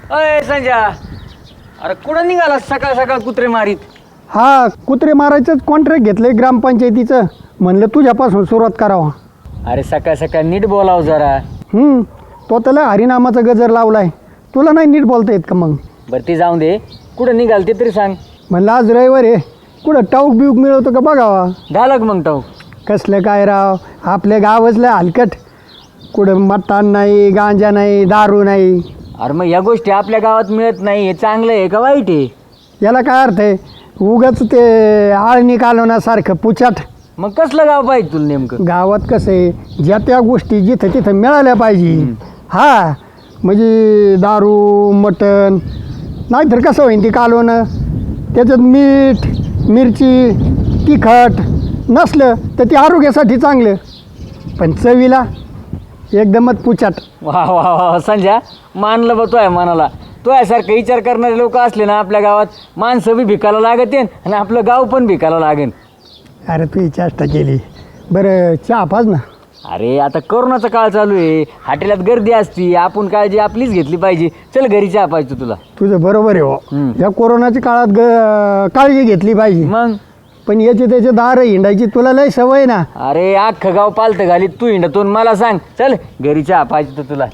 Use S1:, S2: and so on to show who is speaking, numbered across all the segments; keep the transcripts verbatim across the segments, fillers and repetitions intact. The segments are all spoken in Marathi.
S1: अय संजय, अरे कुठं निघाला सकाळ सकाळ कुत्रे मारीत?
S2: हा, कुत्रे मारायचंच कॉन्ट्रॅक्ट घेतलंय ग्रामपंचायतीचं. म्हणलं तुझ्यापासून सुरुवात करावं.
S1: अरे सकाळ सकाळ नीट बोलाव जरा.
S2: हम्म तो त्याला हरिनामाचा गजर लावलाय. तुला नाही नीट बोलता येत का मग?
S1: बरं ती जाऊन दे, कुठं निघाल ते तरी सांग.
S2: म्हणलं आज रविवार आहे, कुठं टाऊक बिऊक मिळवतो का बघावा.
S1: झालं का मग टाऊ?
S2: कसलं काय राव, आपल्या गावातलं हलकट. कुठं मटण नाही, गांजा नाही, दारू नाही.
S1: अरे मग या गोष्टी आपल्या गावात मिळत नाही, हे चांगलं आहे का वाईट आहे?
S2: याला काय अर्थ आहे? उगाच ते आळणी कालवण्यासारखं पुचाट.
S1: मग कसलं गाव पाहिजे तुला नेमकं?
S2: गावात कसं आहे, ज्या त्या गोष्टी जिथं तिथं मिळाल्या पाहिजे. हा म्हणजे दारू मटण नाहीतर कसं होईन ती कालवणं. त्याच्यात मीठ मिरची तिखट नसलं तर ते आरोग्यासाठी चांगलं, पण चवीला एकदमच पुचाट.
S1: वा वा वा संजय, मानलं बा तो आहे मनाला. तो यासारखं विचार करणारे लोक असले ना आपल्या गावात, माणसं बी भिकायला लागत आणि आपलं गाव पण भिकायला लागेल.
S2: अरे तू ही चेष्टा केली. बरं चहा पाच ना.
S1: अरे आता कोरोनाचा काळ चालू आहे, हॉटेलात गर्दी असती, आपण काळजी आपलीच घेतली पाहिजे. चल घरी चहा पाहिजे तुला.
S2: तुझं बरोबर आहे हो. या कोरोनाच्या काळात ग काळजी घेतली पाहिजे.
S1: मग
S2: पण याचे त्याचे दार हिंडायची तुला लय सवय ना.
S1: अरे अख्खं गाव पालतं घालीत तू हिंडतून मला सांग. चल घरी चहा पाहिजे तर तुला.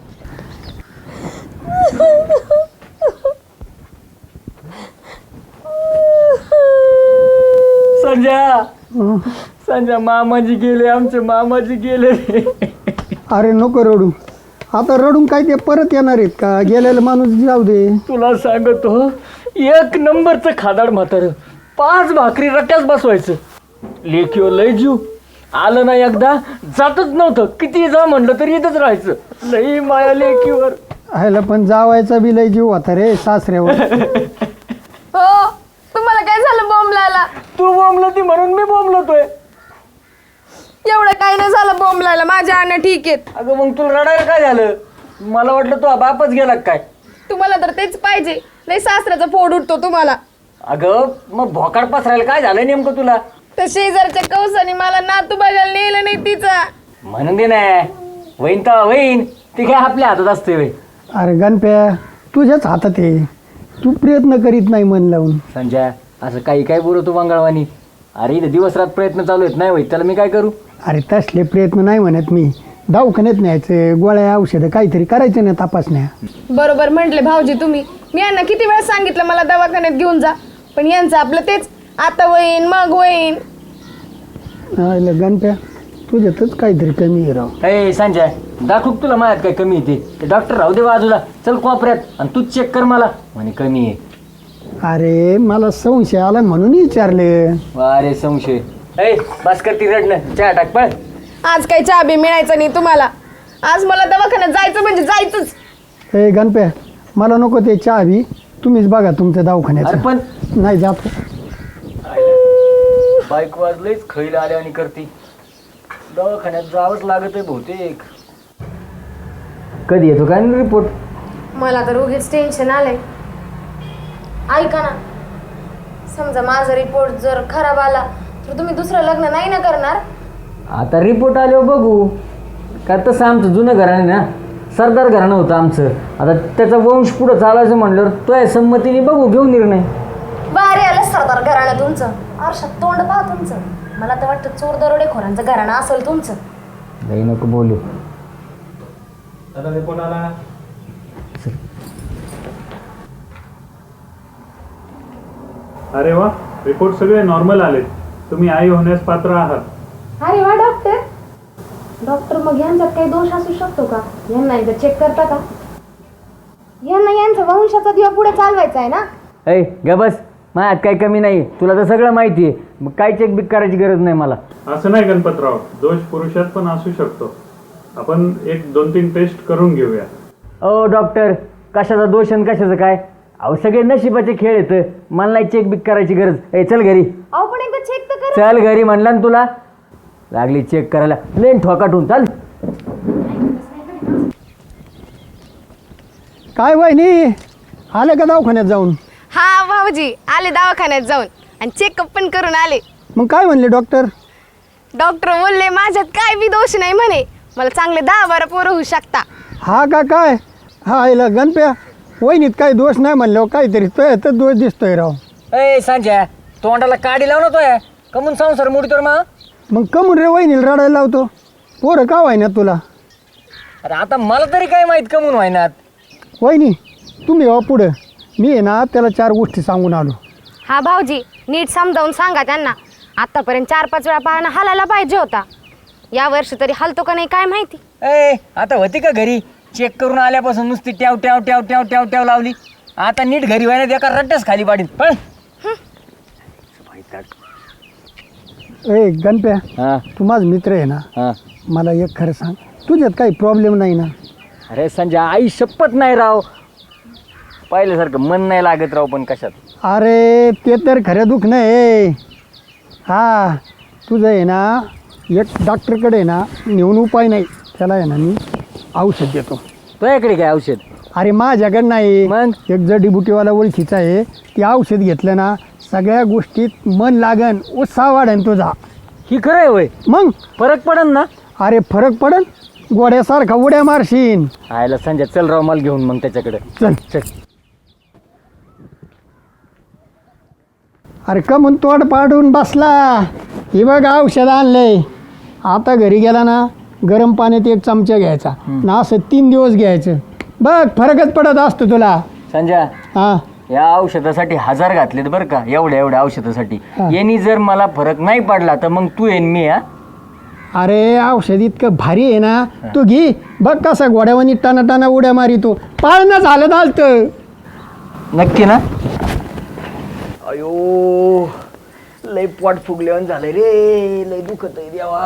S1: संजय संजय, मामाजी गेले, आमचे मामाजी गेले.
S2: अरे नको रडू. आता रडून काय ते परत येणार आहेत का? गेलेला माणूस जाऊ दे.
S1: तुला सांगतो, एक नंबरचं खादाड म्हातारं. पाच भाकरी रट्याच बसवायचं. लेखीवर लय जीव. आलं ना एकदा जातच नव्हतं. किती जा म्हणलं तरी इथंच राहायचं. लई माया लेखीवर.
S2: ह्याला पण जावायचा बी लय जीव होता रे सासऱ्यावर.
S3: हो, तुम्हाला काय झालं बोंबलायला?
S1: तू बोंबलं ती म्हणून मी बोंबलतोय.
S3: एवढं काय नाही झालं बोंबलायला, माझ्या अण्णा ठीक आहेत.
S1: अगं मग तुला रडायला काय झालं? मला वाटलं तू बापच गेला काय.
S3: तुम्हाला तर तेच पाहिजे. लय सासऱ्याचा फोड उठतो तुम्हाला.
S1: अगं मग भोकाड पसरायला काय झालं नेमकं तुला?
S3: तर शेजारच्या कौसाने मला नातू बघायला नेलं नाही तिचा.
S1: म्हणून दे ना, वहीन तर वहीन, ती काय आपल्या हातात असते वय.
S2: अरे गणप्या, तुझ्याच हातात आहे. तू प्रयत्न करीत नाही मन लावून.
S1: संजय असं काही काय बोलतो मंगळवानी. अरे इथे दिवस रात प्रयत्न चालू आहेत, नाही होईल त्याला मी काय करू?
S2: अरे तसले प्रयत्न नाही म्हणत मी. दवाखान्यात न्यायचं, गोळ्या औषधं काहीतरी करायचं ना, तपासण्या.
S3: बरोबर म्हटले भाऊजी तुम्ही. मी यांना किती वेळा सांगितलं मला दवाखान्यात घेऊन जा, पण यांचं आपलं तेच, आता वहीन मग वहीन.
S2: अरे गणप्या, तुझ्यातच काहीतरी कमी आहे राव.
S1: ए संजय, दाखव तुला माझ्यात काय कमी येते. ते डॉक्टर राहू दे बाजूला, चल कोपऱ्यात आणि तूच चेक कर मला. म्हणे कमी आहे.
S2: अरे मला संशय आला म्हणून विचारले.
S1: अरे संशय. ए बस कर ती रडणं, चहा टाक पळ.
S3: आज काही चहा बी मिळायचं नाही तुम्हाला. आज मला दवाखान्यात जायचं म्हणजे जायचंच.
S2: ए गणप्या, मला नको ते चहा बी. तुम्हीच बघा तुमच्या
S1: अरे
S2: दवाखान्यात.
S1: पण
S2: नाही जातो.
S1: बाईक वाजलेच खैल आले आणि करती. दवाखान्यात जावंच लागत आहे बहुतेक. कधी येतो काय रिपोर्ट?
S3: मला तर उगीच टेन्शन आलंय. ऐका ना, समजा माझा रिपोर्ट जर खराब आला तर तुम्ही दुसरं लग्न नाही ना करणार?
S1: आता रिपोर्ट आल्यावर बघू. काय तसं आमचं जुनं घराणे ना, सरदार घराणं होतं आमचं. आता त्याचा वंश पुढं चालायचं म्हणल्यावर तो आहे संमतीने बघू, घेऊ निर्णय.
S3: बाहेर आलं सरदार घराणं तुमचं. आरशात तोंड पहा तुमचं. मला तर वाटतं चोर दरोडेखोरांचं घराणं असेल तुमचं.
S1: नाही नको बोलू.
S4: दादा रिपोर्ट आला. अरे वा, रिपोर्ट सगळे नॉर्मल आले. तुम्ही आई होण्यास पात्र आहात.
S3: अरे वा डॉक्टर. डॉक्टर मग यांच्यात काही दोष असू शकतो का? यांना एकदा चेक करता का? यांना यांचा वंशाचा दिवा पुढे चालवायचा आहे ना.
S1: ऐ ग बस, माझ्यात काही कमी नाही. तुला तर सगळं माहिती आहे, मग काय चेक बिक करायची गरज नाही मला.
S4: असं नाही गणपतराव, दोष पुरुषात पण असू शकतो. आपण एक दोन तीन टेस्ट करून घेऊया.
S1: ओ डॉक्टर, कशाचा दोष आणि कशाचं काय? अहो सगळे नशिबाचे खेळ येतं. मला नाही चेक बिक करायची गरज. ए चल घरी.
S3: अहो पण एकदा चेक तर करा.
S1: चल घरी म्हणला ना तुला. लागली चेक करायला, लेन ठोकाटून चाल.
S2: काय वहिनी, आले का दवाखान्यात जाऊन?
S3: हा भाऊजी आले दवाखान्यात जाऊन आणि चेकअप पण करून आले.
S2: मग काय म्हणले डॉक्टर?
S3: डॉक्टर बोलले माझ्यात काय बी दोष नाही म्हणे. मला चांगले दहा बारा पोरं होऊ शकता.
S2: हा का काय? हा आईला गणप्या, वहिनीत काही दोष नाही म्हणल्यावर काहीतरी तो तर दोष दिसतोय राव.
S1: ए सांच्या तोंडाला काडी लावून होतोय कमून संसार मोडीतोय मा.
S2: मग कमून रे वहिनीला रडायला लावतो. पोरं का व्हाय ना तुला.
S1: अरे आता मला तरी काय माहित कमून व्हायनात.
S2: वहिनी तुम्ही हो पुढं, मी आहे ना त्याला चार गोष्टी सांगून आलो.
S3: हा भाऊजी नीट समजावून सांगा त्यांना. आतापर्यंत चार पाच वेळा पाहणं हालायला पाहिजे होता. या वर्षी तरी हलतो का नाही काय माहिती.
S1: ए आता होती का घरी चेक करून आल्यापासून नुसती ट्याव ट्याव ट्याव ट्याव ट्याव ट्याव लावली. आता नीट घरी व्हायला एका रट्ट्याच खाली पाडीन पण.
S2: ए गणप्या,
S1: हा
S2: तू माझा मित्र आहे ना,
S1: हा.
S2: मला एक खरं सांग, तुझ्यात काही प्रॉब्लेम नाही ना.
S1: अरे संजय आई शपथ नाही राव, पाहिल्यासारखं मन नाही लागत राव. पण कशात.
S2: अरे ते तर खरं दुःख नाही. हा तुझं आहे ना एक डॉक्टरकडे आहे ना नेऊन उपाय नाही. त्याला आहे ना मी औषध देतो.
S1: तुझ्याकडे काय औषध.
S2: अरे माझ्याकडे नाही,
S1: मग?
S2: एक जडीबुटीवाला ओळखीचा आहे. ते औषध घेतलं ना सगळ्या गोष्टीत मन लागन, उत्साह वाढन तुझा.
S1: ही खरं आहे होय.
S2: मग
S1: फरक पडन ना.
S2: अरे फरक पडन, गोड्यासारखा उड्या मारशीन.
S1: आयला संजय चल राव मला घेऊन मग त्याच्याकडे.
S2: चल
S1: चल.
S2: अरे का म्हणून तोड पाडून बसला. हे बघ औषध आणलंय. आता घरी गेला ना गरम पाण्यात एक चमचा घ्यायचा ना, असं तीन दिवस घ्यायचं. बघ फरकच पडत असतो तुला.
S1: संजय
S2: हा
S1: या औषधासाठी हजार घातलेत बरं का, एवढ्या एवढ्या औषधासाठी.
S2: हा.
S1: यांनी जर मला फरक नाही पडला तर मग तू येईन मी. हा
S2: अरे औषध इतकं भारी आहे ना, तू घे. बघ कसा घोड्यावानी टाना टाना उड्या मारितो. पाळणं झालं चालतं.
S1: नक्की ना. अयो लय पोट फुगल्यावर झालंय रे, लय दुखत आहे देवा.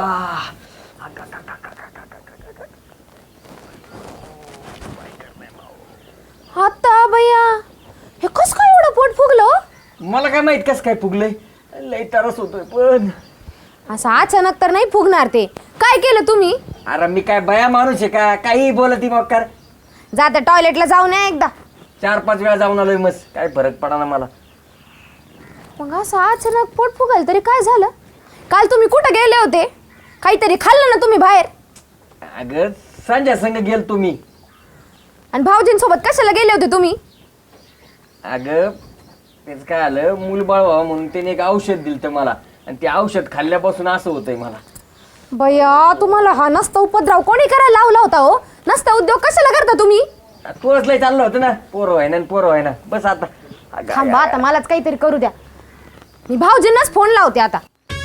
S3: आता भैया हे कस काय एवढं पोट फुगलं.
S1: मला काय माहित कस काय फुगलंय, लय तरस होतोय. पण
S3: असं अचानक तर नाही फुगणार ते. काय केलं तुम्ही.
S1: अरे मी काय बया माणूस आहे का, काही बोलती मग कर.
S3: जाता टॉयलेटला जाऊन या एकदा.
S1: चार पाच वेळा जाऊन आलोय मस्त, काय फरक पडा ना मला.
S3: मग असं अचानक पोट फुगाल तरी काय झालं. काल तुम्ही कुठं गेले होते. काहीतरी खाल्लं ना तुम्ही बाहेर.
S1: अगं संजय संग गेल तुम्ही.
S3: आणि भाऊजींसोबत कशाला गेले होते तुम्ही.
S1: अगं तेच काय आलं, मूलबाळ व्हावं म्हणून त्याने एक औषध दिलं मला, आणि ते औषध खाल्ल्यापासून असं होतंय मला.
S3: भैया तुम्हाला हा नसता उपद्रव कोणी करायला लावला होता हो. नसता उद्योग कशाला करता तुम्ही.
S1: तोच लय चाललं होतं ना, पोरं व्हाय ना पोरं व्हाय ना. बस आता अगं,
S3: थांबा आता मलाच काहीतरी करू द्या. मी भाऊजींनाच फोन लावते आता.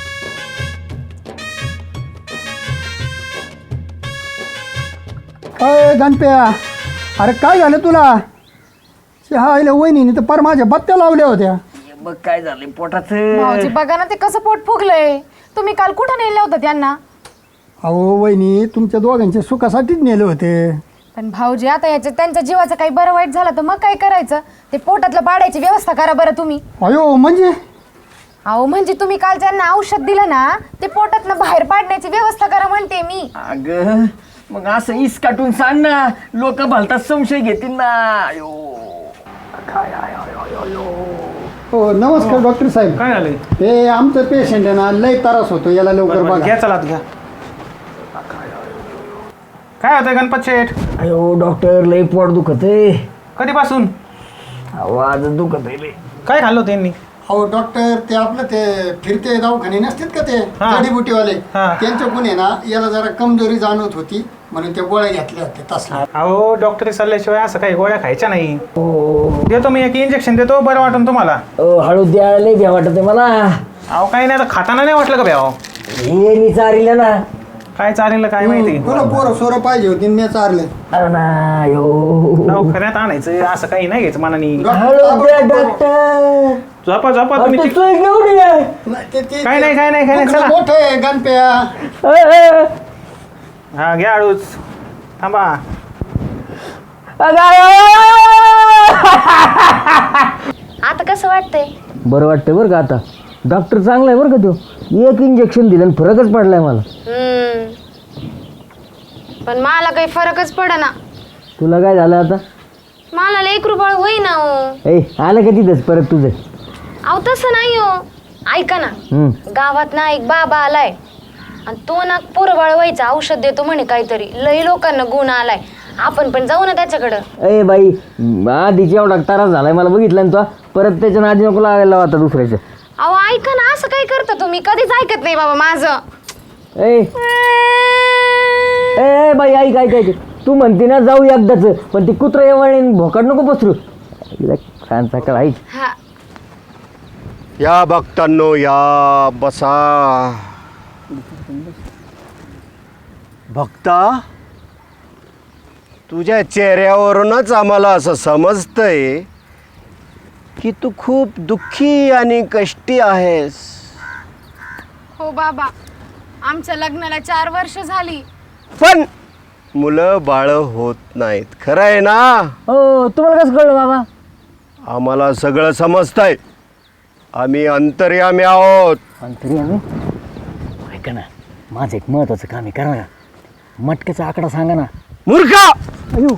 S2: अय गणप्या, अरे काय झालं तुला. हा आईला वहिनीने तर पर माझ्या बत्त्या लावल्या होत्या.
S1: बघ काय झालंय पोटाचं.
S3: भाऊजी बघा ना ते कसं पोट फुगलंय. तुम्ही काल कुठं नेलं होतं त्यांना.
S2: अहो वहिनी तुमच्या दोघांच्या सुखासाठीच नेले होते.
S3: पण भाऊजी आता याच्या त्यांच्या जीवाचं काही बरं वाईट झालं तर मग काय करायचं. ते पोटातलं पाडायची व्यवस्था करा बरं तुम्ही.
S2: अयो म्हणजे
S3: अहो म्हणजे तुम्ही काल ज्यांना औषध दिलं ना ते पोटातनं बाहेर पाडण्याची व्यवस्था करा म्हणते मी.
S1: अगं मग असं इस काटून सांग ना, लोक भलतात संशय घेतील ना. अयो
S2: हो नमस्कार डॉक्टर साहेब.
S5: काय झालंय.
S2: हे आमचं पेशंट आहे ना, लय त्रास होतो याला, लवकर
S5: बरं,
S2: बघा.
S5: घ्या चला घ्या. काय होतंय गणपत शेठ.
S1: अयो डॉक्टर लय पोट दुखत आहे.
S5: कधीपासून.
S1: आवाज दुखत आहे लय.
S5: काय खाल्लं त्यांनी.
S2: हो डॉक्टर, ते आपलं ते फिरते दवाखाने नसतात का ते
S5: हा.
S2: जडीबुटीवाले,
S5: हा.
S2: त्यांच्याकडून आहे ना याला जरा कमजोरी जाणवत होती म्हणून त्या गोळ्या घेतल्या होत्या तसल्या.
S5: अहो डॉक्टरी सल्ल्याशिवाय असं काही गोळ्या खायच्या नाही. देतो मी एक इंजेक्शन देतो, बरं वाटून तुम्हाला.
S1: ओ हळू द्यायला लय भ्या वाटत आहे मला.
S5: अहो काही नाही आता खाताना नाही वाटलं का भ्याव.
S1: हे मी चारिलं ना.
S5: काय चालेल काय माहिती.
S2: तुला पोरं सोरं पाहिजे होती मी चारले.
S1: अरे ना यो
S5: खऱ्यात आणायचं असं काही नाही घ्यायचं मनानी.
S1: हळू द्या डॉक्टर.
S5: झोपा झोपा
S1: अरे
S5: तुम्ही.
S1: तू सोय घेऊन ये.
S5: काय नाही काय नाही काय नाही चला.
S2: मोठं आहे गणप्या.
S1: ए, ए.
S5: हा घ्या हळूच. थांबा.
S1: अगं, अगं.
S3: आता कसं वाटतंय.
S1: बरं वाटतंय बरं का आता. डॉक्टर चांगला आहे बरं का तो. एक इंजेक्शन दिलं आणि फरकच पडलाय मला.
S3: हम्म. पण मला काही फरकच पडना.
S1: तुला काय झालं आता.
S3: मला लय कृपळ होईना हो.
S1: ए आलं का तिथंच परत तुझं.
S3: अहो तसं नाही हो. ऐका ना,
S1: हम्म.
S3: गावात ना एक बाबा आलाय आणि तो ना पोरबाळ व्हायचं औषध देतो म्हणे काहीतरी. लई लोकांना गुण आलाय आपण पण जाऊ ना त्याच्याकडं.
S1: ए बाई आधीच एवढा त्रास झालाय मला बघितलं ना तो, परत त्याच्या नादी नको लागायला आता दुसऱ्याच्या.
S3: अहो ऐका ना, असं काय करता तुम्ही? कधीच ऐकत नाही बाबा माझं.
S1: ए ए बाई ऐक ऐक ऐक तू म्हणते ना जाऊ एकदाच, पण ती कुत्रा एवढे भोकाड नको पसरू. छान सकाळ ऐक.
S3: हा
S6: या भक्तांनो या बसा. भक्ता, तुझ्या चेहऱ्यावरूनच आम्हाला असं समजतंय की तू खूप दुःखी आणि कष्टी आहेस.
S3: हो बाबा, आमच्या लग्नाला चार वर्ष झाली.
S6: पण मुलं बाळ होत नाहीत, खरं आहे ना?
S1: हो तुम्हाला कसं कळलं बाबा?
S6: आम्हाला सगळं समजतंय. आम्ही अंतर्यामी आहोत.
S1: आणि तरी आम्ही ऐका ना, माझं एक महत्वाचं काम आहे, करा ना. मटक्याचा आकडा सांगा ना.
S6: मूर्खा,
S1: अयो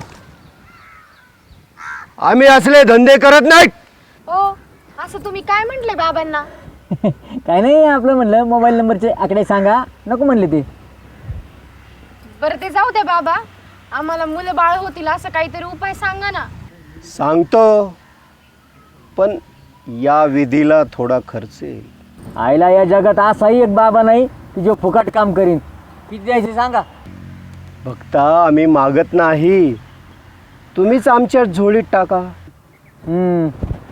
S6: आम्ही असले धंदे करत नाहीत.
S3: ओ असं तुम्ही काय म्हटले बाबांना?
S1: काय नाही, आपलं म्हणलं मोबाईल नंबरचे आकडे सांगा, नको म्हणले ते.
S3: बरं ते जाऊ द्या बाबा, आम्हाला मुलं बाळ होतील असं काहीतरी उपाय सांगा ना.
S6: सांगतो, पण या विधीला थोडा खर्च येईल.
S1: आईला या जगात असाही एक बाबा नाही की जो फुकट काम करीन. किती द्यायचे सांगा.
S6: भक्ता, आम्ही मागत नाही, तुम्हीच आमच्या झोळीत टाका.
S1: हम्म.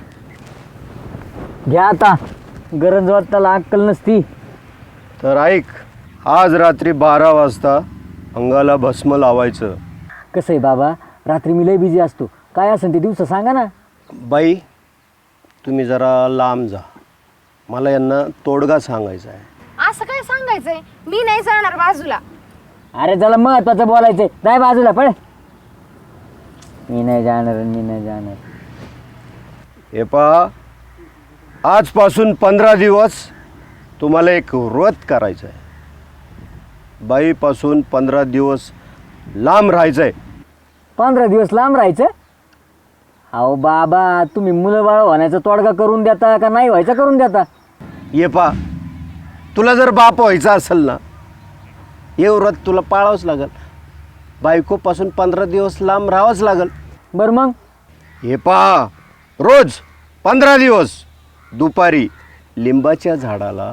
S1: घ्या आता, गरज वाटताला अक्कल नसती.
S6: तर ऐक, आज रात्री बारा वाजता अंगाला भस्म लावायचं.
S1: कसं आहे बाबा, रात्री मी लय बिझी असतो, काय असेल ते दिवसा सांगा ना.
S6: बाई, तुम्ही जरा लांब जा, मला यांना तोडगा सांगायचा आहे.
S3: असं काय सांगायचंय? मी नाही जाणार बाजूला.
S1: अरे त्याला महत्वाचं बोलायचंय, जाय बाजूला पळ. मी नाही जाणार, मी नाही जाणार.
S6: हे पहा, आजपासून पंधरा दिवस तुम्हाला एक व्रत करायचं आहे. बाईपासून पंधरा दिवस लांब राहायचं आहे.
S1: पंधरा दिवस लांब राहायचं? अहो बाबा, तुम्ही मुलं बाळ होण्याचा तोडगा करून देता का नाही व्हायचा करून देता?
S6: ये पा, तुला जर बाप व्हायचा असेल ना, हे व्रत तुला पाळावंच लागेल. बायकोपासून पंधरा दिवस लांब राहावंच लागेल.
S1: बरं मग?
S6: हे पहा, रोज पंधरा दिवस दुपारी लिंबाच्या झाडाला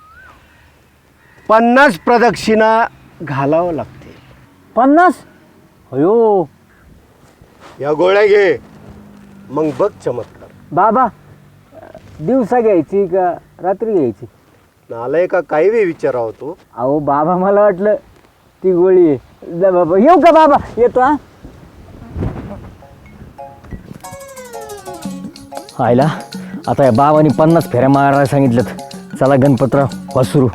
S6: पन्नास प्रदक्षिणा घालावं लागतील.
S1: पन्नास? अयो
S6: या गोळ्या घे, मग बघ चमत्कार.
S1: बाबा, दिवसा घ्यायची का रात्री घ्यायची?
S6: नालाय का काही बी विचारावं तू.
S1: अहो बाबा, मला वाटलं ती गोळी आहे. जा बाबा, येऊ का बाबा? येतो हा. आयला आता या बाबांनी पन्नास फेऱ्या मारायला सांगितलं. चला गणपतराव वासुरू.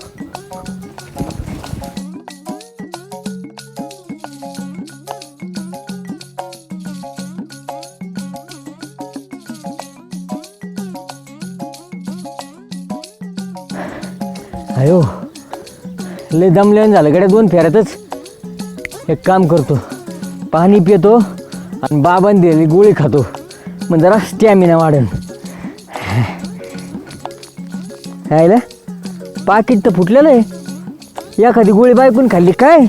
S1: अयो लय दमल्यान झालं गड्या दोन फेऱ्यातच. एक काम करतो, पाणी पितो आणि बाबांनी दिलेली गोळी खातो, मग जरा स्टॅमिना वाढेल. आहे पाकिट तर फुटलेलं आहे. एखादी गोळी बायकून खाल्ली काय?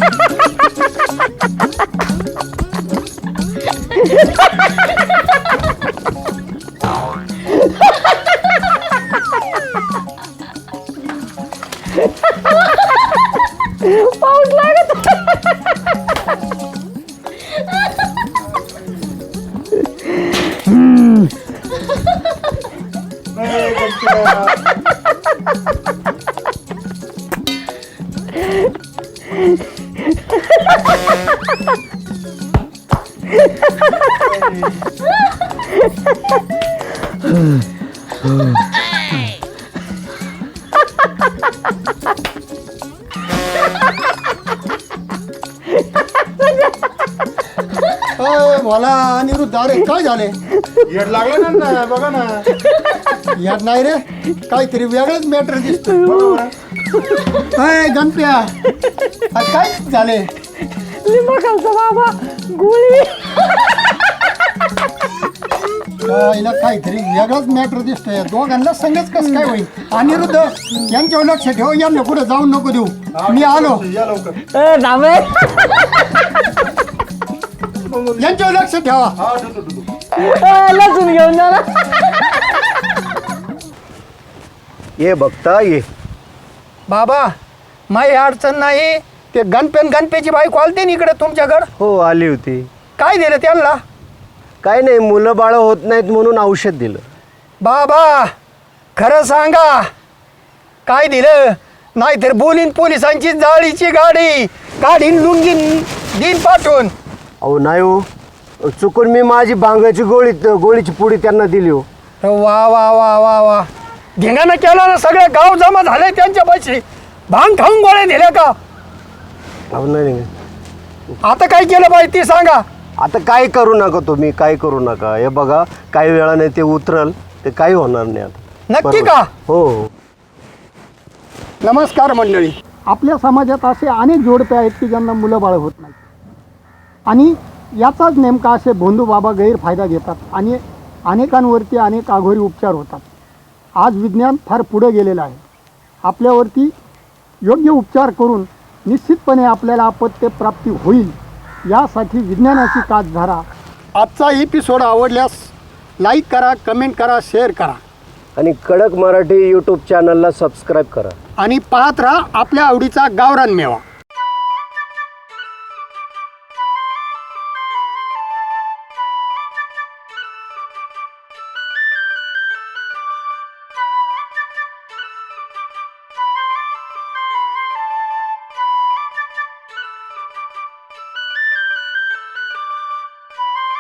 S2: पाऊस लागत
S7: मला अनिरुद्ध अरे काय झाले येड लागलं ना बघा ना येड नाही रे काहीतरी वेगळंच मॅटर दिसतोय अय गणप्या आज काय झाले
S2: लिंबा खालचा बाबा गोळी
S7: हिला काहीतरी वेगळाच मॅटर दिसतोय दोघांना संगच कसं काय होईल अनिरुद्ध यांच्यावर लक्ष ठेव यांना कुठे जाऊन नको देऊ मी आलो या लवकर
S1: ए, थांबे.
S7: यांच्यावर लक्ष ठेवा
S1: ए, लसूण घेऊन जा ना.
S6: ये बघता ये.
S2: बाबा माही अडचण नाही ते गणपेन गणपेची बायको आलते ना इकडे तुमच्याकडं
S6: हो आली होती.
S2: काय दिलं त्यांना
S6: काय नाही मुलं बाळं होत नाहीत म्हणून औषध दिलं.
S2: बाबा खरं सांगा काय दिलं नाहीतर बोलीन पोलिसांची जाळीची गाडी काढीन लुंगीन दिन पाठवून.
S6: अहो नाही हो चुकून मी माझी भांगाची गोळी गोळीची पुडी त्यांना दिली हो.
S2: वा वा वा वा वा धिंगाणं केलं ना सगळे गाव जमा झाले त्यांच्या पैसे भांग खाऊन गोळ्या दिल्या का
S6: अहो नाही नाही.
S2: आता काय केलं पाहिजे ते सांगा.
S6: आता काय करू नका तुम्ही काय करू नका. हे बघा काही वेळाने ते उतरल ते काही होणार नाही आता.
S2: नक्की
S6: बरोबर.
S2: का
S6: हो हो.
S2: नमस्कार मंडळी.
S7: आपल्या समाजात असे अनेक जोडपे आहेत की ज्यांना मुलं बाळ होत नाही आणि याचाच नेमका असे भोंदू बाबा गैरफायदा घेतात आणि अनेकांवरती अनेक आघोरी उपचार होतात. आज विज्ञान फार पुढे गेलेलं आहे. आपल्यावरती योग्य उपचार करून निश्चितपणे आपल्याला अपत्य प्राप्ती होईल यासाठी विज्ञानाची काच धरा. आजचा एपिसोड आवडल्यास लाईक करा, कमेंट करा, शेअर करा
S6: आणि कडक मराठी यूट्यूब चॅनलला सबस्क्राईब करा
S7: आणि पाहत राहा आपल्या आवडीचा गावरान मेवा.